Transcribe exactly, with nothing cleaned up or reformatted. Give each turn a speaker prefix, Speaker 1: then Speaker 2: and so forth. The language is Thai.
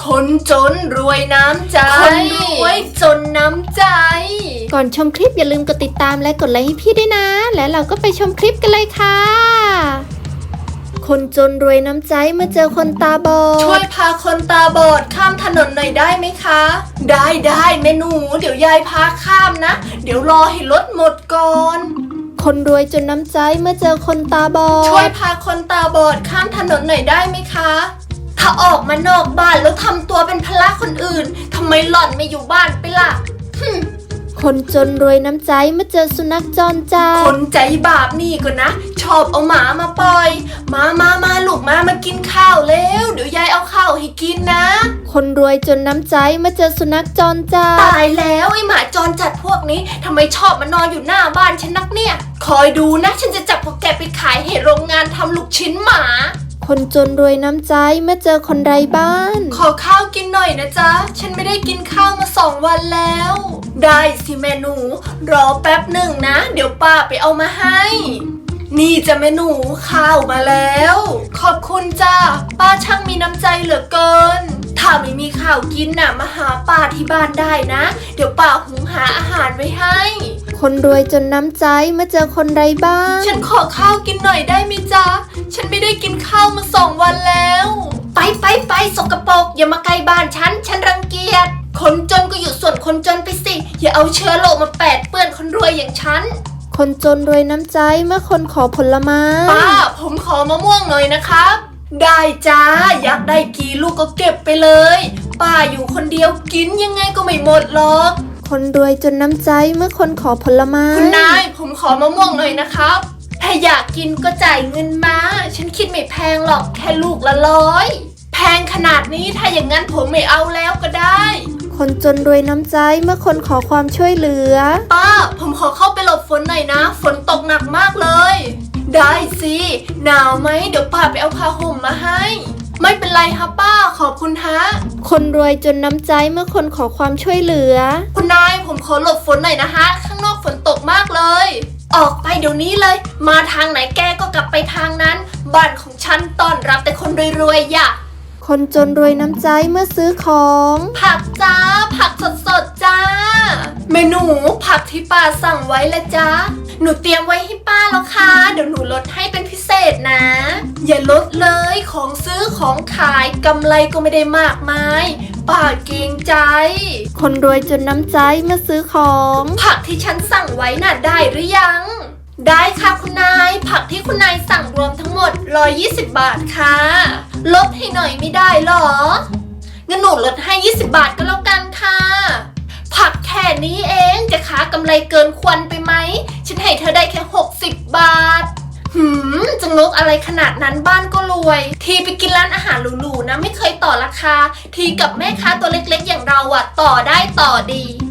Speaker 1: คนจนรวยน้ำใจคนรวยจนน้ำใจ
Speaker 2: ก่อนชมคลิปอย่าลืมกดติดตามและกดไลค์ให้พี่ด้วยนะและเราก็ไปชมคลิปกันเลยค่ะคนจนรวยน้ำใจเมื่อเจอคนตาบอด
Speaker 1: ช่วยพาคนตาบอดข้ามถนนหน่อยได้ไหมคะได้ได้แม่หนูเดี๋ยวยายพาข้ามนะเดี๋ยวรอให้รถหมดก่อน
Speaker 2: คนรวยจนน้ำใจเมื่อเจอคนตาบอด
Speaker 1: ช่วยพาคนตาบอดข้ามถนนหน่อยได้ไหมคะถ้าออกมานอกบ้านแล้วทำตัวเป็นภาระคนอื่นทำไมหล่อนไม่อยู่บ้านไปล่ะ
Speaker 2: คนจนรวยน้ำใจเมื่อเจอสุนัขจรจัด
Speaker 1: คนใจบาปนี่ก็นะชอบเอาหมามาปล่อยมามามาลูกมามากินข้าวแล้วเดี๋ยวยายเอาข้าวให้กินนะ
Speaker 2: คนรวยจนน้ำใจเมื่อเจอสุนัขจรจัด
Speaker 1: ตายแล้วไอหมาจรจัดพวกนี้ทำไมชอบมานอนอยู่หน้าบ้านฉันนักเนี่ยคอยดูนะฉันจะจับพวกแกไปขายให้โรงงานทำลูกชิ้นหมา
Speaker 2: คนจนรวยน้ำใจเมื่อเจอคนไร้บ้าน
Speaker 1: ขอข้าวกินหน่อยนะจ๊ะฉันไม่ได้กินข้าวมาสองวันแล้วได้สิแม่หนูรอแป๊บหนึ่งนะเดี๋ยวป้าไปเอามาให้นี่จะแม่หนูข้าวมาแล้วขอบคุณจ้าป้าช่างมีน้ำใจเหลือเกินถ้าไม่มีข้าวกินน่ะมาหาป้าที่บ้านได้นะเดี๋ยวป้าหุงหาอาหารไว้ให้
Speaker 2: คนรวยจนน้ำใจเมื่อเจอคนไร้บ้าน
Speaker 1: ฉันขอข้าวกินหน่อยได้ไหมจ๊ะฉันไม่ได้กินข้าวมาสองวันแล้วไปไปไปสกปรกอย่ามาใกล้บ้านฉันฉันรังเกียจคนจนก็อยู่ส่วนคนจนไปสิอย่าเอาเชื้อโรคมาแปดเปื้อนคนรวยอย่างฉัน
Speaker 2: คนจนรวยน้ำใจเมื่อคนขอผลไม้
Speaker 1: ป้าผมขอมะม่วงหน่อยนะครับได้จ้าอยากได้กี่ลูกก็เก็บไปเลยป้าอยู่คนเดียวกินยังไงก็ไม่หมดหรอก
Speaker 2: คนรวยจนน้ำใจเมื่อคนขอผลไม้
Speaker 1: คุณนายผมขอมะม่วงหน่อยนะครับถ้าอยากกินก็จ่ายเงินมาฉันคิดไม่แพงหรอกแค่ลูกละร้อยแพงขนาดนี้ถ้าอย่างนั้นผมไม่เอาแล้วก็ได้
Speaker 2: คนจนรวยน้ำใจเมื่อคนขอความช่วยเหลือ
Speaker 1: ป้าผมขอเข้าไปหลบฝนหน่อยนะฝนตกหนักมากเลยได้สิหนาวไหมเดี๋ยวป้าไปเอาผ้าห่มมาให้ไม่เป็นไรฮะป้าขอบคุณฮะ
Speaker 2: คนรวยจนน้ำใจเมื่อคนขอความช่วยเหลือ
Speaker 1: คุณนายผมขอหลบฝนหน่อยนะฮะข้างนอกฝนตกมากเลยออกไปเดี๋ยวนี้เลยมาทางไหนแกก็กลับไปทางนั้นบ้านของฉันต้อนรับแต่คนรวยๆอย่า
Speaker 2: คนจนรวยน้ำใจเมื่อซื้อของ
Speaker 1: ผักจ้าผักสดๆจ้าเมนูผักที่ป้าสั่งไว้ละจ้าหนูเตรียมไว้ให้ป้าแล้วค่ะเดี๋ยวหนูลดให้เป็นพิเศษนะอย่าลดเลยของซื้อของขายกำไรก็ไม่ได้มากมายป้าเกรงใจ
Speaker 2: คนรวยจนน้ำใจเมื่อซื้อของ
Speaker 1: ผักที่ฉันสั่งไว้น่ะได้หรือยังได้ค่ะคุณนายผักที่คุณนายสั่งรวมทั้งหมดหนึ่งร้อยยี่สิบบาทค่ะลดให้หน่อยไม่ได้หรองั้นหนูลดให้ยี่สิบบาทก็แล้วกันค่ะผักแค่นี้เองจะค้ากำไรเกินควรไปไหมฉันให้เธอได้แค่หกสิบบาทหืมจะงกอะไรขนาดนั้นบ้านก็รวยทีไปกินร้านอาหารหรูๆนะไม่เคยต่อราคาทีกับแม่ค้าตัวเล็กๆอย่างเราอะต่อได้ต่อดี